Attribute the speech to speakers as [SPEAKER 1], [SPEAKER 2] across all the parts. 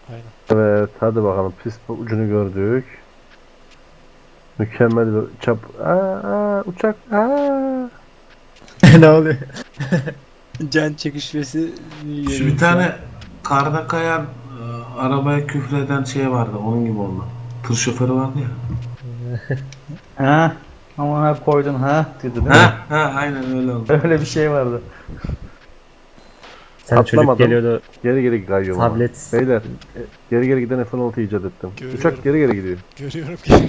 [SPEAKER 1] Aynen.
[SPEAKER 2] Evet, hadi bakalım. Pist ucunu gördük. Mükemmel bir çap. Uçak.
[SPEAKER 3] Ne oluyor?
[SPEAKER 4] Can çekişmesi
[SPEAKER 5] Şu bir
[SPEAKER 4] görüyorum şu an.
[SPEAKER 5] tane karda kayan arabaya küfreden şey vardı. Onun gibi oldu. Tır şoförü vardı ya.
[SPEAKER 4] Ha, ama ha koydun ha dedi değil mi?
[SPEAKER 5] Ha aynen öyle oldu.
[SPEAKER 4] Öyle bir şey vardı.
[SPEAKER 3] Sen çocuk
[SPEAKER 2] Atlamadım.
[SPEAKER 3] geliyordu
[SPEAKER 2] Geri geri kayıyorum ama.
[SPEAKER 3] tablet.
[SPEAKER 2] Beyler, geri geri giden F-16 icat ettim.
[SPEAKER 1] Görüyorum.
[SPEAKER 2] Uçak geri geri gidiyor.
[SPEAKER 1] Görüyorum ki.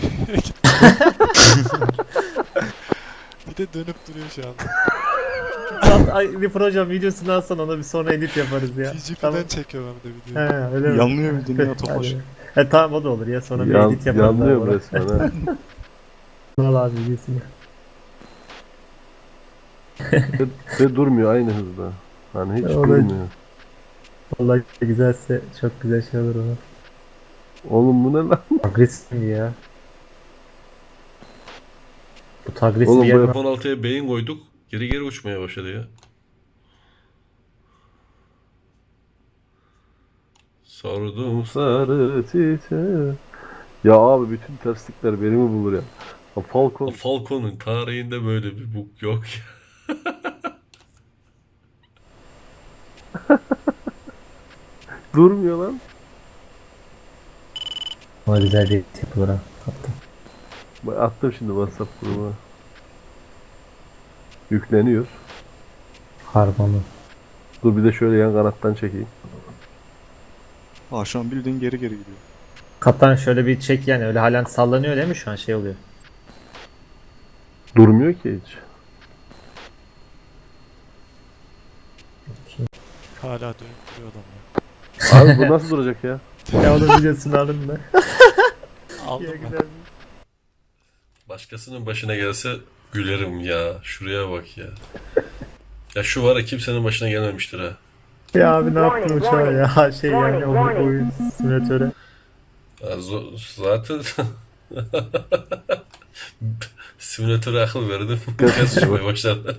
[SPEAKER 1] Bir de dönüp duruyor şu an.
[SPEAKER 3] Ay, bir proje videosunu alsan ona bir sonra edit yaparız ya.
[SPEAKER 1] TGP'den çekiyorum hem de videoyu.
[SPEAKER 3] He, öyle mi?
[SPEAKER 4] Yanlıyor bir dünya topaş.
[SPEAKER 3] Hadi. Tamam o da olur ya sonra bir edit yaparız.
[SPEAKER 2] Yanlıyor
[SPEAKER 3] abi.
[SPEAKER 2] resmen ha.
[SPEAKER 3] Al abi videosunu.
[SPEAKER 2] Ve durmuyor aynı hızda. Hani hiç
[SPEAKER 3] Evet.
[SPEAKER 2] durmuyor.
[SPEAKER 3] Vallahi güzelse çok güzel şey olur ona.
[SPEAKER 2] Oğlum bu ne lan?
[SPEAKER 3] Agresif ya. Bu agresif
[SPEAKER 2] Oğlum bu
[SPEAKER 3] yer
[SPEAKER 6] F-16'ya beyin koyduk. Geri geri uçmaya başladı ya. Sordum.
[SPEAKER 2] Sarı çiçeği. Ya abi bütün terslikler beni mi bulur ya? Ha, Falcon.
[SPEAKER 6] Falcon'un tarihinde böyle bir bug yok ya.
[SPEAKER 2] Durmuyor lan.
[SPEAKER 3] ama güzel bir edit yapılır ha. Attım.
[SPEAKER 2] Bak, attım şimdi WhatsApp grubuna. Yükleniyor.
[SPEAKER 3] Harmanı.
[SPEAKER 2] Dur bir de şöyle yan kanattan çekeyim.
[SPEAKER 7] Aa şu an bildiğin geri geri gidiyor.
[SPEAKER 3] Kaptan şöyle bir çek yani öyle halen sallanıyor değil mi şu an şey oluyor.
[SPEAKER 2] Durmuyor ki hiç.
[SPEAKER 1] Hala dönüp duruyor adam ya.
[SPEAKER 2] Abi bu nasıl duracak ya?
[SPEAKER 3] Ya onun videosunu alın da.
[SPEAKER 1] Aldım
[SPEAKER 3] Ya
[SPEAKER 1] ben.
[SPEAKER 3] güzel.
[SPEAKER 6] Başkasının başına gelse gülerim ya. Şuraya bak ya. Ya şu var ya kimsenin başına gelmemiştir ha.
[SPEAKER 3] Ya abi ne yaptın uçağa ya şey yani o oyun simülatöre.
[SPEAKER 6] Ya zaten simülatöre akıl verdim. Gaz uçmaya başladı.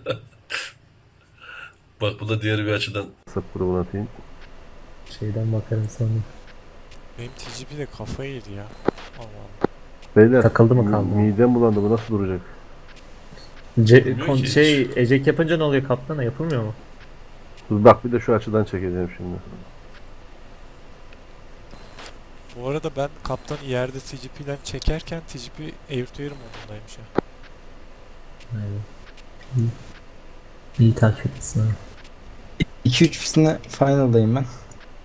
[SPEAKER 6] Bak bu da diğer bir açıdan.
[SPEAKER 2] WhatsApp grubuna atayım.
[SPEAKER 3] Şeyden bakarım sonra.
[SPEAKER 1] Benim TGP de kafayı yedi ya. Allah Allah.
[SPEAKER 2] Beyler
[SPEAKER 3] Takıldı mı kaldı mı?
[SPEAKER 2] midem bulandı, bu nasıl duracak?
[SPEAKER 6] Bilmiyor ki
[SPEAKER 3] Şey eject yapınca ne oluyor kaptana yapılmıyor mu?
[SPEAKER 2] Dur bak bir de şu açıdan çekeceğim şimdi.
[SPEAKER 1] Bu arada ben kaptan yerde TGP'den çekerken TGP Air-to-Air modundaymış ya.
[SPEAKER 3] Aynen. İyi takip etsin abi.
[SPEAKER 4] 2-3 pistine final'dayım ben.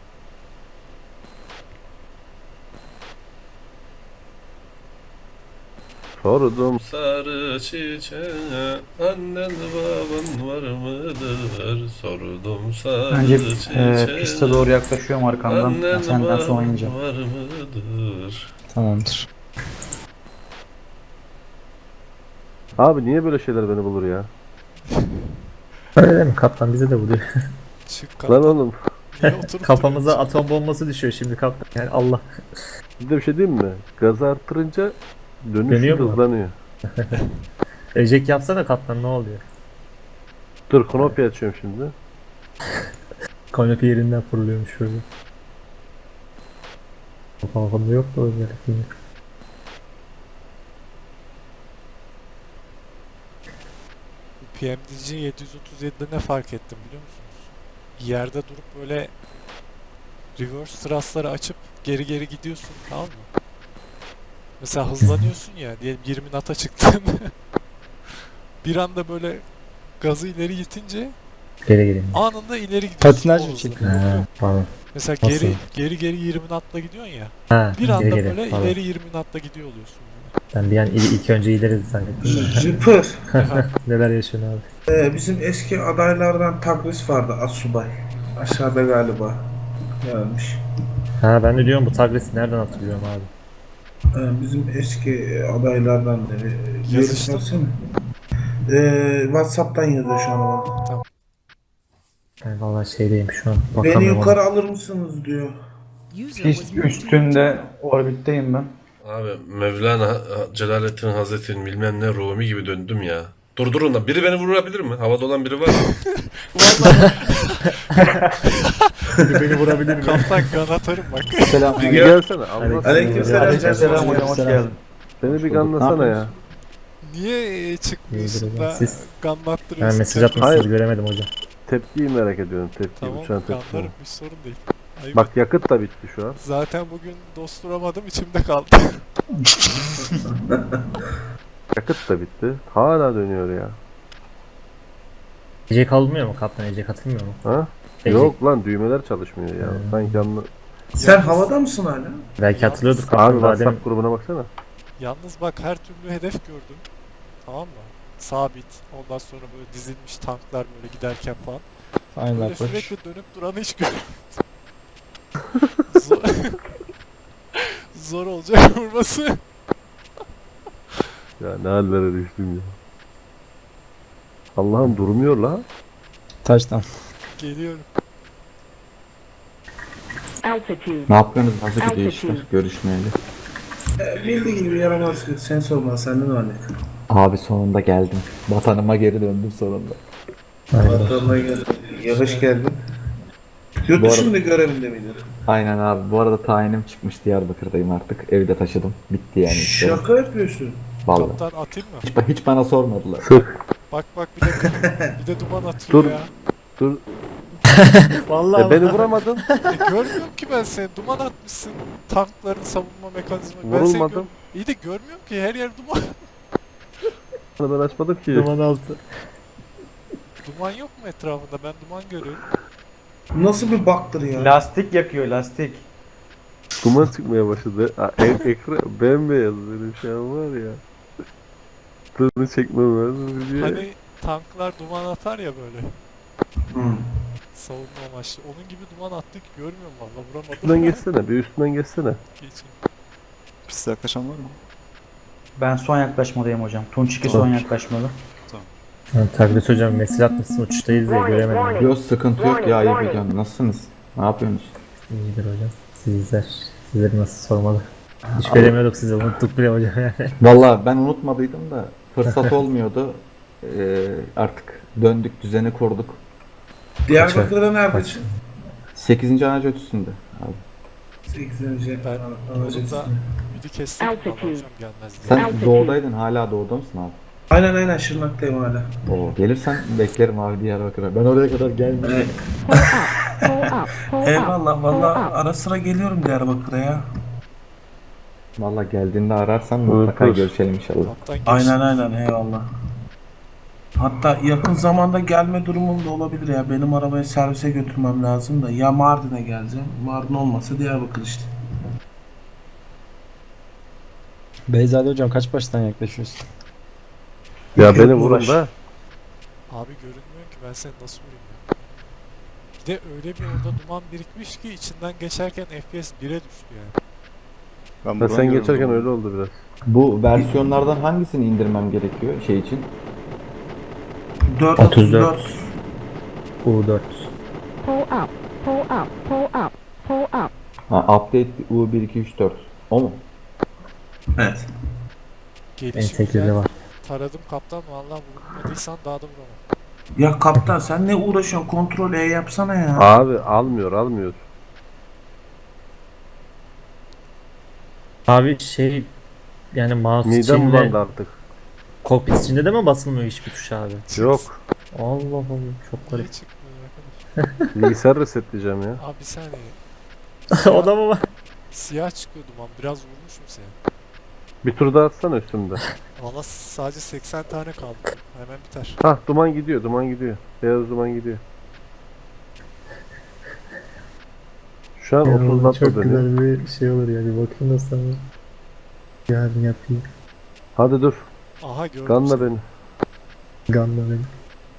[SPEAKER 2] Sordum.
[SPEAKER 6] Sarı çiçeğe annen baban var mıdır? Sordum sarı
[SPEAKER 4] Önce
[SPEAKER 6] çiçeğe
[SPEAKER 4] piste doğru yaklaşıyorum arkamdan.
[SPEAKER 6] annen
[SPEAKER 4] Senden sonra
[SPEAKER 6] baban
[SPEAKER 4] oynayacağım.
[SPEAKER 6] var mıdır?
[SPEAKER 4] Tamamdır.
[SPEAKER 2] Abi niye böyle şeyler beni bulur ya?
[SPEAKER 3] Öyle değil mi kaptan bize de vuruyor.
[SPEAKER 1] Çık
[SPEAKER 2] Lan
[SPEAKER 1] kaptan.
[SPEAKER 2] oğlum.
[SPEAKER 1] Niye oturup
[SPEAKER 3] Kafamıza
[SPEAKER 1] duruyorsun?
[SPEAKER 3] atom bombası düşüyor şimdi kaptan yani Allah.
[SPEAKER 2] Bir de bir şey diyeyim mi? Gazı arttırınca dönüş
[SPEAKER 3] Dönüyor mu?
[SPEAKER 2] hızlanıyor.
[SPEAKER 3] Eject yapsana kaptan ne oluyor?
[SPEAKER 2] Dur Knopi açıyorum şimdi.
[SPEAKER 3] Kanepe yerinden fırlıyormuş şöyle. Kafamda yok da öyle yine.
[SPEAKER 1] PMDG 737'de ne fark ettim biliyor musunuz? Yerde durup böyle reverse thrust'ları açıp geri geri gidiyorsun, tamam mı? Mesela hızlanıyorsun ya, diyelim 20 knot'a çıktın. Bir anda böyle gazı ileri itince
[SPEAKER 3] Geri gelin.
[SPEAKER 1] anında ileri gidiyorsun.
[SPEAKER 4] Patinaj
[SPEAKER 1] o
[SPEAKER 4] mı
[SPEAKER 1] hızla.
[SPEAKER 4] çekiyor?
[SPEAKER 3] Ha, pardon.
[SPEAKER 1] Mesela
[SPEAKER 3] Nasıl?
[SPEAKER 1] geri 20 knot'la gidiyorsun ya.
[SPEAKER 3] Ha,
[SPEAKER 1] Bir anda
[SPEAKER 3] geri
[SPEAKER 1] böyle
[SPEAKER 3] pardon.
[SPEAKER 1] ileri 20 knot'la gidiyor oluyorsun.
[SPEAKER 3] Ben bir an ilk önce ileri zannettim de.
[SPEAKER 5] Jüpiter.
[SPEAKER 3] Neler yaşıyorsun abi?
[SPEAKER 5] Bizim eski adaylardan Tagris vardı, Asubay. Aşağıda galiba gelmiş.
[SPEAKER 3] Ha ben de diyorum bu Tagris'i nereden hatırlıyorum abi?
[SPEAKER 5] Bizim eski adaylardan biri.
[SPEAKER 1] Yazıştın mı?
[SPEAKER 5] Yazıştırsana. WhatsApp'tan yazıyor şu an bana.
[SPEAKER 3] Ben vallahi şeydeyim şu an.
[SPEAKER 5] Beni
[SPEAKER 3] Bakamıyorum
[SPEAKER 5] yukarı
[SPEAKER 3] ona.
[SPEAKER 5] alır mısınız diyor.
[SPEAKER 4] Pist üstünde orbitteyim ben.
[SPEAKER 6] Abi Mevlana Celaleddin Hazretleri'nin bilmem ne Rumi gibi döndüm ya. Durdurun lan. Biri beni vurabilir mi? Havada olan biri var mı?
[SPEAKER 1] Vallahi
[SPEAKER 3] Beni vurabilir mi?
[SPEAKER 1] kaptan kan atarım bak.
[SPEAKER 4] Selam.
[SPEAKER 2] Bir gelsene. Allah
[SPEAKER 5] Aleykümselam.
[SPEAKER 4] Aleykümselam hocam, hoş geldin.
[SPEAKER 2] Seni bir ganlasana ya.
[SPEAKER 1] Niye çıkmıyorsun
[SPEAKER 3] İyidir
[SPEAKER 1] da
[SPEAKER 3] hocam. Siz- Ben
[SPEAKER 1] ganlattırıyorsun?
[SPEAKER 3] mesaj
[SPEAKER 1] kendini?
[SPEAKER 3] atmışsınız
[SPEAKER 2] Hayır.
[SPEAKER 3] göremedim hocam.
[SPEAKER 2] Tepkiyi merak ediyorum. Tepkiyi.
[SPEAKER 1] Tamam
[SPEAKER 2] Uçağın tepkisini.
[SPEAKER 1] ganlarım hiç sorun değil. Ayıp.
[SPEAKER 2] Bak yakıt da bitti şu an.
[SPEAKER 1] Zaten bugün dosturamadım içimde kaldı.
[SPEAKER 2] Yakıt da bitti. Hala dönüyor ya.
[SPEAKER 3] Ece kalmıyor mu kaptan? Ece katılmıyor mu?
[SPEAKER 2] Ha?
[SPEAKER 3] Ece.
[SPEAKER 2] Yok lan düğmeler çalışmıyor ya. Sanki anla...
[SPEAKER 5] Sen havada mısın hala?
[SPEAKER 3] Belki hatırlıyordur
[SPEAKER 2] Abi
[SPEAKER 3] kaptan. Daha demin
[SPEAKER 2] WhatsApp grubuna baksana.
[SPEAKER 1] Yalnız bak her türlü hedef gördüm. Tamam mı? Sabit. Ondan sonra böyle dizilmiş tanklar böyle giderken falan.
[SPEAKER 7] Aynen
[SPEAKER 1] Böyle
[SPEAKER 7] bak.
[SPEAKER 1] sürekli dönüp duranı hiç görmedim. Zor, zor olacak vurması.
[SPEAKER 2] Ya ne hallere düştüm ya. Allah'ım durmuyor la.
[SPEAKER 7] Taştan.
[SPEAKER 1] Geliyorum.
[SPEAKER 8] Altitude.
[SPEAKER 9] Ne yapıyorsunuz? Nasıl gidiyor işler? Görüşmeyeli.
[SPEAKER 5] Bildiğin gibi yaramaz. Sen sorma senden örnek.
[SPEAKER 9] Abi sonunda geldim. Vatanıma geri döndüm sonunda.
[SPEAKER 5] Vatanına gel. Yavaş geldin. Yurt
[SPEAKER 9] Bu
[SPEAKER 5] dışında görevinde miydin?
[SPEAKER 9] Aynen abi. Bu arada tayinim çıkmış. Diyarbakır'dayım artık. Evde taşıdım. Bitti yani işte.
[SPEAKER 5] Şaka yapıyorsun.
[SPEAKER 9] Vallahi.
[SPEAKER 1] Kaptan atayım mı?
[SPEAKER 9] Hiç bana sormadılar.
[SPEAKER 1] Bak bak bir de duman atıyor
[SPEAKER 2] Dur.
[SPEAKER 1] ya.
[SPEAKER 2] Dur.
[SPEAKER 3] Vallahi
[SPEAKER 2] Beni vuramadın.
[SPEAKER 1] Görmüyorum ki ben seni. Duman atmışsın. Tankların savunma mekanizması. Ben seni
[SPEAKER 2] Vurulmadım.
[SPEAKER 1] İyi de görmüyorum ki her yer duman.
[SPEAKER 2] Ben açmadım ki.
[SPEAKER 3] duman altı.
[SPEAKER 1] Duman yok mu etrafında? Ben duman görüyorum.
[SPEAKER 5] Nasıl bir baktır ya?
[SPEAKER 4] Lastik yakıyor, lastik.
[SPEAKER 2] Duman çıkmaya başladı. Ekran bembeyaz benim şu an var ya. Tadını çekmem lazım diye.
[SPEAKER 1] Hani tanklar duman atar ya böyle.
[SPEAKER 5] Hı.
[SPEAKER 1] Savunma amaçlı. Onun gibi duman attık. Görmüyorum valla. Vuramadım.
[SPEAKER 2] Üstünden geçsene. Bir üstünden geçsene.
[SPEAKER 1] Geçeyim.
[SPEAKER 7] Piste yaklaşan var mı?
[SPEAKER 4] Ben son yaklaşmadayım hocam. Tunç 2 son yaklaşmalı.
[SPEAKER 3] Taklit hocam mesaj atmışsın uçuştayız diye göremedim.
[SPEAKER 9] Yok sıkıntı yok ya. İyi hocam. Nasılsınız? Ne yapıyorsunuz?
[SPEAKER 3] İyidir hocam. Sizler. Sizleri nasıl sormalı? Hiç göremiyorduk sizi. Unuttuk bile hocam yani.
[SPEAKER 9] Vallahi ben unutmadıydım da fırsat olmuyordu. Artık döndük, düzeni kurduk.
[SPEAKER 5] Diyarbakır'da neredesin?
[SPEAKER 9] 8. anaç ötüsünde. Abi.
[SPEAKER 5] 8.
[SPEAKER 1] Ben yolda ümidi kestim. Ama hocam gelmez diye.
[SPEAKER 9] Sen doğudaydın. Hala doğuda mısın abi?
[SPEAKER 5] Aynen Şırnak'tayım hala.
[SPEAKER 9] Oo, gelirsen beklerim abi Diyarbakır'a. Ben oraya kadar gelmeyeyim.
[SPEAKER 8] Pull up. Pull up.
[SPEAKER 5] Eyvallah valla ara sıra geliyorum Diyarbakır'a ya.
[SPEAKER 9] Valla geldiğinde ararsan mutlaka
[SPEAKER 2] Dur.
[SPEAKER 9] görüşelim inşallah.
[SPEAKER 1] Kaptan geçti.
[SPEAKER 5] Aynen eyvallah. Hatta yakın zamanda gelme durumum da olabilir ya. Benim arabayı servise götürmem lazım da. Ya Mardin'e geleceğim. Mardin olmasa Diyarbakır işte.
[SPEAKER 7] Beyzade hocam kaç baştan yaklaşıyorsun?
[SPEAKER 2] Ya beni
[SPEAKER 5] Yok,
[SPEAKER 2] vurun
[SPEAKER 5] uğraş.
[SPEAKER 2] da.
[SPEAKER 1] Abi görünmüyor ki ben seni nasıl vurayım ya. Bir de öyle bir orada duman birikmiş ki içinden geçerken FPS 1'e düştü yani.
[SPEAKER 7] Ben
[SPEAKER 2] Ha,
[SPEAKER 7] buradan
[SPEAKER 2] sen
[SPEAKER 7] görüyorum
[SPEAKER 2] geçerken
[SPEAKER 7] bunu.
[SPEAKER 2] öyle oldu biraz.
[SPEAKER 9] Bu versiyonlardan hangisini indirmem gerekiyor şey için?
[SPEAKER 3] 34.
[SPEAKER 5] 434.
[SPEAKER 3] U4.
[SPEAKER 8] Pull up. Pull up. Pull up. Pull up.
[SPEAKER 9] Ha, update U1234. O mu?
[SPEAKER 5] Evet.
[SPEAKER 1] Gelişi
[SPEAKER 3] Ensekleri
[SPEAKER 1] güzel.
[SPEAKER 3] var.
[SPEAKER 1] Taradım kaptan vallahi vurmadıysan daha da vuramam.
[SPEAKER 5] Ya kaptan sen ne uğraşıyorsun? Kontrol E yapsana ya.
[SPEAKER 2] Abi almıyor.
[SPEAKER 3] Abi şey yani mouse
[SPEAKER 2] Midem
[SPEAKER 3] içinde
[SPEAKER 2] bulandı artık.
[SPEAKER 3] kokpit içinde de mi basılmıyor hiçbir tuş abi?
[SPEAKER 2] Yok.
[SPEAKER 3] Allah Allah çok
[SPEAKER 1] Niye
[SPEAKER 3] garip.
[SPEAKER 1] çıkmıyor arkadaş?
[SPEAKER 2] Bilgisayar resetleyeceğim ya.
[SPEAKER 1] Abi bir saniye.
[SPEAKER 3] O da mı var?
[SPEAKER 1] Siyah çıkıyor duman. Biraz vurmuşum seni.
[SPEAKER 2] Bir tur daha atsana üstümde.
[SPEAKER 1] Valla sadece 80 tane kaldı. Hemen biter.
[SPEAKER 2] Hah duman gidiyor. Beyaz duman gidiyor. Şu an 30 dakika dönüyor.
[SPEAKER 3] bir şey olur ya bir bakayım da sana. Yarın yapayım.
[SPEAKER 2] Hadi dur.
[SPEAKER 1] Aha gördüm
[SPEAKER 2] Ganla
[SPEAKER 1] seni.
[SPEAKER 2] beni.
[SPEAKER 3] Ganla beni.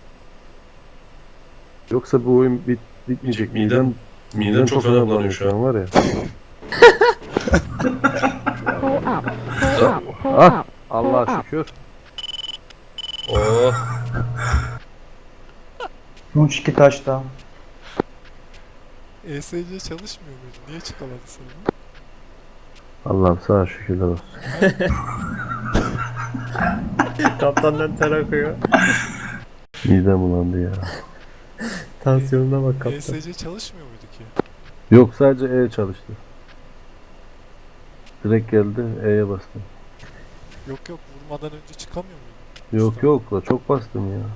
[SPEAKER 2] Yoksa bu oyun bitmeyecek.
[SPEAKER 6] Midem çok fena bulanıyor şu an.
[SPEAKER 2] var ya.
[SPEAKER 8] Pull up. Pull up. Pull
[SPEAKER 2] Ah
[SPEAKER 8] up.
[SPEAKER 2] Allah'a şükür.
[SPEAKER 6] Oh.
[SPEAKER 4] Tunç 2 taşta.
[SPEAKER 1] ESC çalışmıyor muydu? Niye çıkamadı seni?
[SPEAKER 2] Allah'ım sana şükürler olsun.
[SPEAKER 3] Kaptandan ter akıyor.
[SPEAKER 2] Midem bulandı ya.
[SPEAKER 3] Tansiyonuna bak kaptan.
[SPEAKER 1] ESC çalışmıyor muydu ki?
[SPEAKER 2] Yok, sadece E çalıştı. Direkt geldi, E'ye bastım.
[SPEAKER 1] Yok vurmadan önce çıkamıyor muydu?
[SPEAKER 2] Yok yok la, çok bastım ya.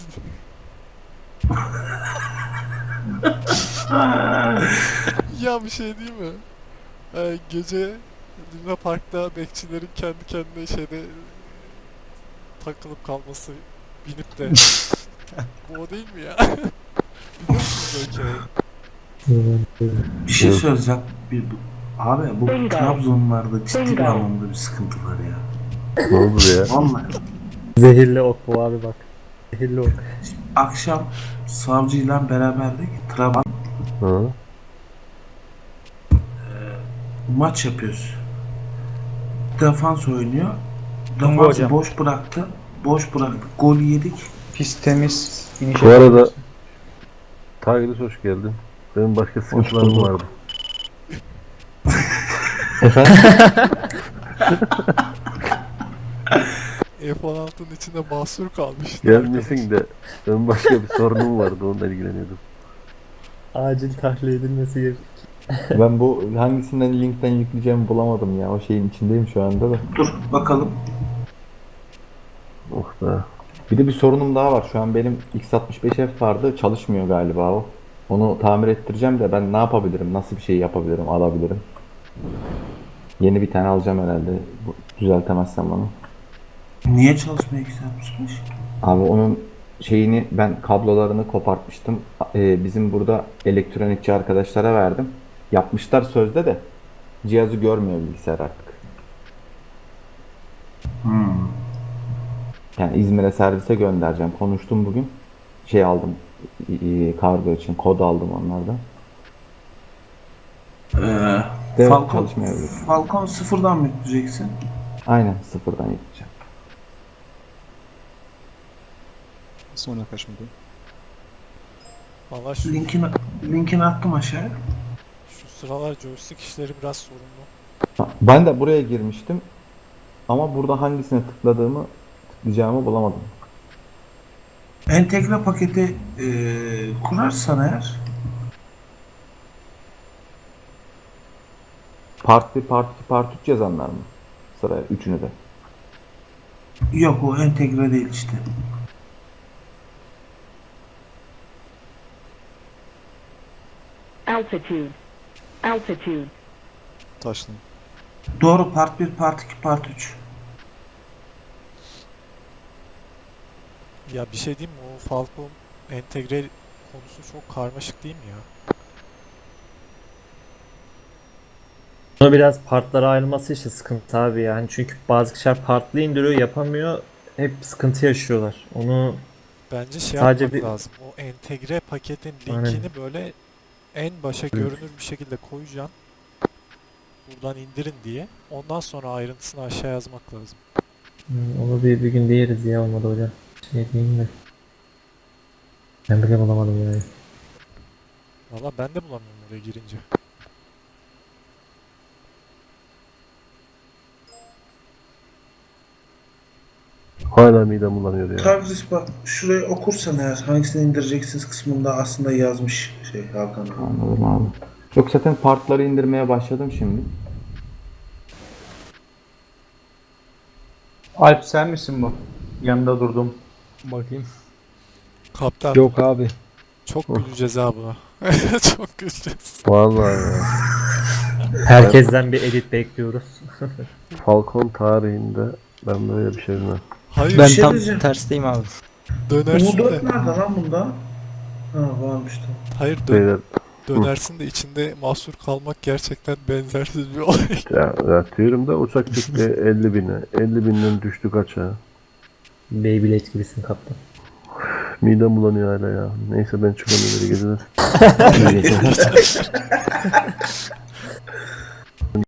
[SPEAKER 1] Ya bir şey değil mi? Gece Luna Park'ta bekçilerin kendi kendine şeyde takılıp kalması, binip de bu o değil mi ya? Biliyor musunuz o hikayeyi?
[SPEAKER 5] Bir şey
[SPEAKER 2] Yok.
[SPEAKER 5] söyleyeceğim. Abi bu
[SPEAKER 8] Bingo.
[SPEAKER 5] Trabzonlarda ciddi bir
[SPEAKER 8] Bingo.
[SPEAKER 5] anlamda bir sıkıntı var ya.
[SPEAKER 2] Ne oldu ya?
[SPEAKER 5] Vallahi.
[SPEAKER 3] Zehirli ok bu abi bak. Zehirli ok.
[SPEAKER 5] Akşam savcıyla beraberdik. Trabzon
[SPEAKER 2] Ha?
[SPEAKER 5] maç yapıyoruz. Defans oynuyor.
[SPEAKER 4] Bingo
[SPEAKER 5] Defansı
[SPEAKER 4] hocam.
[SPEAKER 5] boş bıraktı. Boş bıraktık. Gol yedik.
[SPEAKER 4] Pis temiz. İniş
[SPEAKER 2] Bu arada
[SPEAKER 4] yapıyoruz.
[SPEAKER 2] Tigris hoş geldin. Benim başka sıkıntılarım
[SPEAKER 9] bulduk.
[SPEAKER 2] vardı.
[SPEAKER 1] F-16'nın içinde mahsur kalmıştı.
[SPEAKER 2] Gelmesin de benim başka bir sorunum vardı, onunla ilgileniyordum.
[SPEAKER 3] Acil tahliye edilmesi gerek.
[SPEAKER 9] Ben bu hangisinden linkten yükleyeceğimi bulamadım ya. O şeyin içindeyim şu anda da.
[SPEAKER 5] Dur bakalım.
[SPEAKER 2] Oh be.
[SPEAKER 9] Bir de bir sorunum daha var. Şu an benim X65F vardı. Çalışmıyor galiba o. Onu tamir ettireceğim de ben ne yapabilirim? Nasıl bir şey yapabilirim? Alabilirim. Yeni bir tane alacağım herhalde. Düzeltemezsem onu.
[SPEAKER 5] Niye çalışmaya güzelmişmiş?
[SPEAKER 9] Abi onun şeyini ben kablolarını kopartmıştım. Bizim burada elektronikçi arkadaşlara verdim. Yapmışlar sözde de cihazı görmüyor bilgisayar artık. Yani İzmir'e servise göndereceğim. Konuştum bugün. Şey aldım. Kargo için kod aldım onlardan. De çalışmayabilir.
[SPEAKER 5] Falcon sıfırdan mı yükleyeceksin?
[SPEAKER 9] Aynen sıfırdan yapacağım.
[SPEAKER 7] Sonra kaçmadı.
[SPEAKER 1] Valla şu
[SPEAKER 5] Linkini attım aşağıya.
[SPEAKER 1] sıralar joystick işleri biraz sorunlu.
[SPEAKER 9] Ben de buraya girmiştim. Ama burada hangisine tıklayacağımı bulamadım.
[SPEAKER 5] Entegre paketi kurarsan eğer
[SPEAKER 9] Part 1, Part 2, Part 3 yazanlar mı? Sıraya üçünü de.
[SPEAKER 5] yok, o entegre değil işte.
[SPEAKER 8] Altitude. Altitude.
[SPEAKER 7] Taşlı.
[SPEAKER 5] Doğru, part 1, part 2, part 3.
[SPEAKER 1] Ya bir şey diyeyim mi? O Falcon entegre konusu çok karmaşık değil mi ya?
[SPEAKER 3] Bunu biraz partlara ayrılması işte sıkıntı abi yani. Çünkü bazı kişiler partlı indiriyor yapamıyor. Hep sıkıntı yaşıyorlar. Onu
[SPEAKER 1] Bence şey
[SPEAKER 3] Sadece
[SPEAKER 1] yapmak
[SPEAKER 3] bir-
[SPEAKER 1] lazım. O entegre paketin
[SPEAKER 3] Aynen.
[SPEAKER 1] linkini böyle en başa görünür bir şekilde koyacaksın. Buradan indirin diye. Ondan sonra ayrıntısını aşağı yazmak lazım.
[SPEAKER 3] onu bir gün diyeriz ya olmadı hocam. Şey diyeyim de. Ben bile bulamadım yani.
[SPEAKER 1] Valla ben de bulamıyorum oraya girince.
[SPEAKER 2] Hala midem bulanıyor ya.
[SPEAKER 5] Tagris bak, şurayı okursan eğer hangisini indireceksiniz kısmında aslında yazmış şey Hakan abi.
[SPEAKER 9] Anladım abi. Yok zaten partları indirmeye başladım şimdi.
[SPEAKER 4] Alp sen misin bu? Yanında durdum.
[SPEAKER 7] Bakayım.
[SPEAKER 1] Kaptan
[SPEAKER 7] Yok abi.
[SPEAKER 1] çok güleceğiz ha buna. Çok güleceğiz.
[SPEAKER 2] Vallahi ya.
[SPEAKER 3] Herkesten bir edit bekliyoruz.
[SPEAKER 2] Falcon tarihinde ben böyle bir şey bilmem.
[SPEAKER 1] Hayır
[SPEAKER 5] Ben şey diyeceğim.
[SPEAKER 7] tersteyim abi.
[SPEAKER 1] dönersin
[SPEAKER 5] U4
[SPEAKER 1] de.
[SPEAKER 5] nerede lan bunda? Ha, varmış da.
[SPEAKER 1] Hayır
[SPEAKER 2] Beyler
[SPEAKER 1] dönersin de içinde mahsur kalmak gerçekten benzersiz bir olay.
[SPEAKER 2] ya diyorum da uçak çıktı 50 bine. 50 binden düştük aşağı.
[SPEAKER 3] Beyblade gibisin kaptan.
[SPEAKER 2] Midem bulanıyor hala ya. Neyse ben çıkamıyorum, geri geceler.
[SPEAKER 9] İyi geceler.